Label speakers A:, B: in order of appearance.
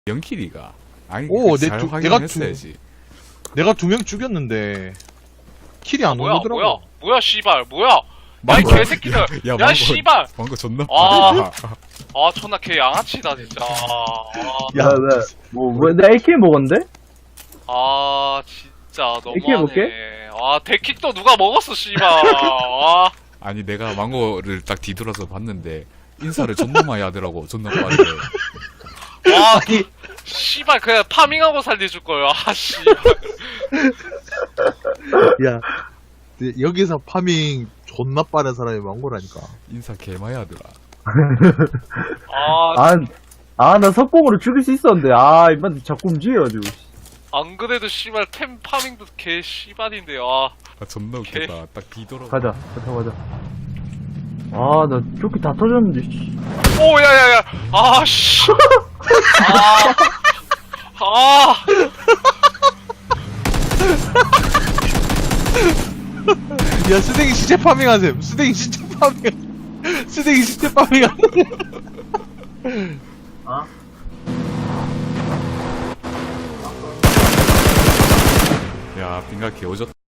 A: 영킬이가 아니
B: 오,
A: 잘 확인했어야지.
B: 내가 2명 죽였는데 킬이 안
C: 뭐야
B: 오더라고.
C: 뭐야 씨발 뭐야 야 이 개새끼들
A: 야,
C: 야 씨발
A: 방금 존나
C: 아.
A: 빠르다.
C: 아 존나 개 양아치다 진짜
B: 야,
D: 왜, 나 AK 먹었는데?
C: 아 진짜
D: AK 해볼게?
C: 너무하네 아 데킥 또 누가 먹었어 씨발 아
A: 아니 내가 망고를 딱 뒤돌아서 봤는데 인사를 존나 많이 하더라고. 존나 빠르게.
C: 와, 씨발 그냥 파밍하고 살려줄 거예요. 아 씨발.
B: 야, 여기서 파밍 존나 빠른 사람이 망고라니까.
A: 인사 개 많이 하더라.
D: 나 석공으로 죽일 수 있었는데, 이만 자꾸 움직여가지고.
C: 안 그래도 씨발 템 파밍도 개 씨발인데 아.
A: 아, 존나 웃겼다. 딱 뒤돌아.
D: 가자. 나 조끼 다 터졌는데, 씨.
C: 오 야야야. 아 씨. 아.
B: 야, 쓰댕이 시체 파밍하세요. 쓰댕이 시체 파밍하세요.
A: 야, 빙가 개 오졌다.